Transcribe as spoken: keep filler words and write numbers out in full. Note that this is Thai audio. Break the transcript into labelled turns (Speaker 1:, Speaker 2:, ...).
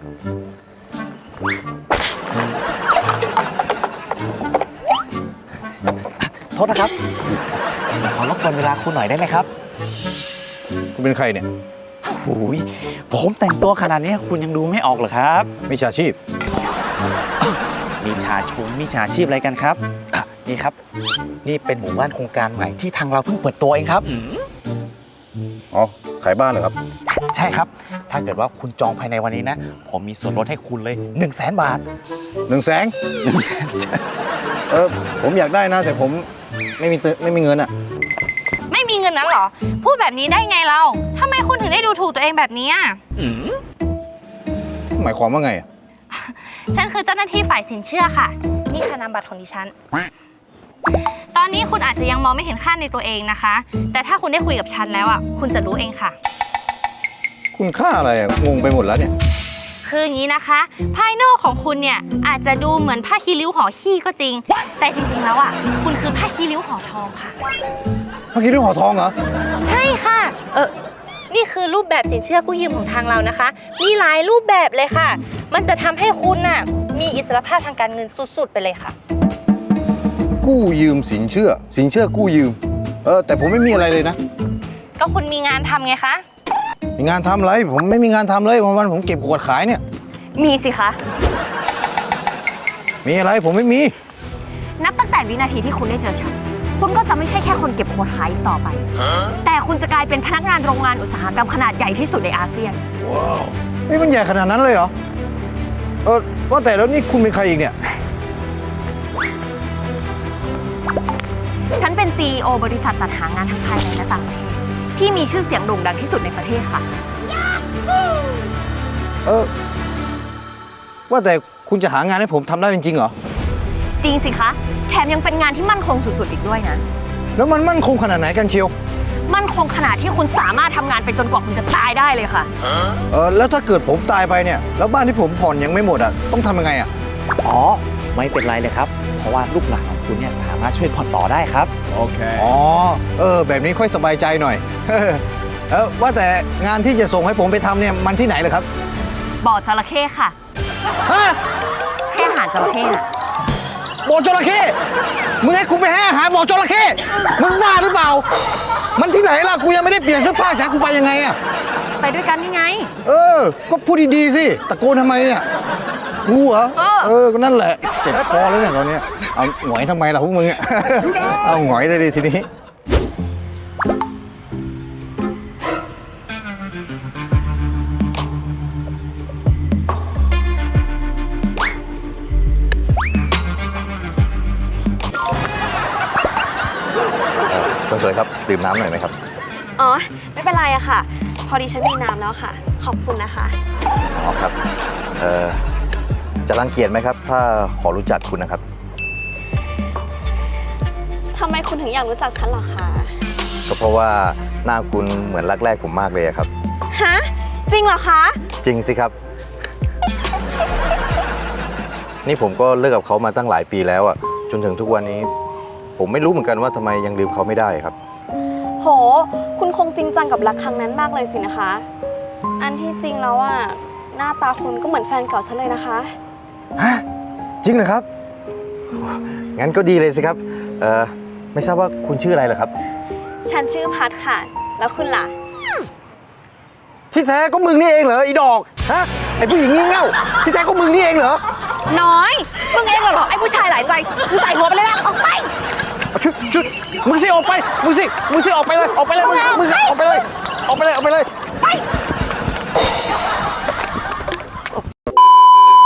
Speaker 1: โทษนะครับขอรบกวนเวลาคุณหน่อยได้ไหมครับ
Speaker 2: คุณเป็นใครเนี่ย
Speaker 1: โอ้ยผมแต่งตัวขนาดนี้คุณยังดูไม่ออกเหรอครับ
Speaker 2: มิจฉาชีพ
Speaker 1: มีชาชงมีชาชีพอะไรกันครับอ่ะนี่ครับ นี่เป็นหมู่บ้านโครงการใหม่ที่ทางเราเพิ่งเปิดตัวเองครับ
Speaker 2: อ๋อ ขายบ้านเหรอครับ
Speaker 1: ใช่ครับ ถ้าเกิดว่าคุณจองภายในวันนี้นะ ผมมีส่วนลดให้คุณเลย1นึ่งแสนบาท
Speaker 2: หนึ่งแสน
Speaker 1: หนึ่งแสน
Speaker 2: เออ ผมอยากได้นะ แต่ผมไม่มีเตไม่มีเงินอะ
Speaker 3: ไม่มีเงินนั้นเหรอ พูดแบบนี้ได้ไงเราทำไมคุณถึงได้ดูถูกตัวเองแบบนี้อ่ะ
Speaker 2: หมายความว่าไงอะ
Speaker 3: ฉันคือเจ้าหน้าที่ฝ่ายสินเชื่อค่ะ นี่ค่ะนามบัตรของดิฉัน ตอนนี้คุณอาจจะยังมองไม่เห็นค่าในตัวเองนะคะ แต่ถ้าคุณได้คุยกับฉันแล้วอ่ะ คุณจะรู้เองค่ะ
Speaker 2: คุณค่าอะไรอะงงไปหมดแล้วเนี่ย
Speaker 3: คืออย่างนี้นะคะ ภายนอกของคุณเนี่ยอาจจะดูเหมือนผ้าคีริ้วห่อขี้ก็จริง แต่จริงๆแล้วอ่ะ คุณคือผ้าคีริ้วห่อทองค่ะ
Speaker 2: เมื่อกี้เรื่องหอทองเหรอ
Speaker 3: ใช่ค่ะ เออนี่คือรูปแบบสินเชื่อกู้ยืมของทางเรานะคะ มีหลายรูปแบบเลยค่ะ มันจะทำให้คุณน่ะมีอิสรภาพทางการเงินสุดๆไปเลยค่ะ
Speaker 2: กู้ยืมสินเชื่อ สินเชื่อกู้ยืม เออ แต่ผมไม่มีอะไรเลยนะ
Speaker 3: ก็คุณมีงานทำไงคะ
Speaker 2: มีงานทำอะไร ผมไม่มีงานทำเลย วันๆผมเก็บขวดขายเนี่ย
Speaker 3: มีสิคะ
Speaker 2: มีอะไรผมไม่มี
Speaker 4: นับตั้งแต่วินาทีที่คุณได้เจอฉัน คุณก็จะไม่ใช่แค่คนเก็บขวดขายอีกต่อไป แต่คุณจะกลายเป็นพนักงานโรงงานอุตสาหกรรมขนาดใหญ่ที่สุดในอาเซียน
Speaker 2: นี่มันใหญ่ขนาดนั้นเลยเหรอ เออ ว่าแต่แล้วนี่คุณเป็นใครอีกเนี่ย
Speaker 4: ฉันเป็น ซี อี โอ บริษัทจัดหางานทั้งภายในและต่างประเทศที่มีชื่อเสียงโด่งดังที่สุดในประเทศค่ะ
Speaker 2: เออ ว่าแต่คุณจะหางานให้ผมทำได้จริงๆเหรอ
Speaker 4: จริงสิคะ แถมยังเป็นงานที่มั่นคงสุดๆอีกด้วยนะ
Speaker 2: แล้วมันมั่นคงขนาดไหนกันเชียว
Speaker 4: มั่นคงขนาดที่คุณสามารถทำงานไปจนกว่าคุณจะตายได้เลยค่ะ
Speaker 2: เออ แล้วถ้าเกิดผมตายไปเนี่ย แล้วบ้านที่ผมผ่อนยังไม่หมดอ่ะ ต้องทำยังไงอ่ะ
Speaker 1: อ๋อ ไม่เป็นไรเลยครับ เพราะว่าลูกหลานของคุณเนี่ยสามารถช่วยผ่อนต่อได้ครับ
Speaker 2: อ๋อ เออ แบบนี้ค่อยสบายใจหน่อย เออ ว่าแต่งานที่จะส่งให้ผมไปทำเนี่ยมันที่ไหนเลยครับ
Speaker 4: บ่อจระเข้ค่ะ
Speaker 2: ฮะ
Speaker 4: ให้อาหารจระเข้น่ะ
Speaker 2: บ่อจระเข้ มึงให้กูไปให้อาหารบ่อจระเข้ มึงบ้าหรือเปล่า มันที่ไหนล่ะ กูยังไม่ได้เปลี่ยนเสื้อผ้าฉันกูไปยังไงอ่ะ
Speaker 4: ไปด้วยกันนี่ไง
Speaker 2: เออ ก็พูดดีๆสิ ตะโกนทำไมเนี่ยกูเหรอ
Speaker 4: เออ
Speaker 2: เออ ก็นั่นแหละ เจ็บคอแล้วเนี่ยตอนเนี้ยเอาหงอยทำไมล่ะพวกมึงอ่ะ เอาหงอยเลยดิทีนี้ คนสวยครับ ดื่มน้ำหน่อยไหมครับ
Speaker 5: อ๋อ ไม่เป็นไรอะค่ะ พอดีฉันมีน้ำแล้วค่ะ ขอบคุณนะคะ
Speaker 2: อ๋อครับ เอ่อ จะรังเกียจไหมครับ ถ้าขอรู้จักคุณนะครับ
Speaker 5: ทำไมคุณถึงอยากรู้จักฉันเหรอคะ
Speaker 2: ก็เพราะว่าหน้าคุณเหมือนรักแรกผมมากเลยอะครับ
Speaker 5: ฮะ จริงเหรอคะ
Speaker 2: จริงสิครับ นี่ผมก็เลิกกับเขามาตั้งหลายปีแล้วอ่ะ จนถึงทุกวันนี้ ผมไม่รู้เหมือนกันว่าทำไมยังลืมเขาไม่ได้ครับ
Speaker 5: โห คุณคงจริงจังกับรักครั้งนั้นมากเลยสินะคะ อันที่จริงแล้วอะหน้าตาคุณก็เหมือนแฟนเก่าฉันเลยนะคะ
Speaker 2: ฮะ จริงเหรอครับ งั้นก็ดีเลยสิครับ เอ่อ ไม่ทราบว่าคุณชื่ออะไรเหรอครับ
Speaker 5: ฉันชื่อพัดค่ะ แล้วคุณล่ะ
Speaker 2: ที่แท้ก็มึงนี่เองเหรออีดอก ฮะ ไอผู้หญิงงี่เง่า ที่แท้ก็มึงนี่เองเหรอ
Speaker 3: น้อย มึงเองเหรอไอ้ผู้ชายหลายใจมึงใส่หัวไปเลยนะออกไป
Speaker 2: ชุดชุดมึงสิออกไป มึงสิ มึงสิออกไปเลย ออกไปเลย มึงมึงออกไปเลย ออกไปเลย ออกไปเลย
Speaker 3: ไป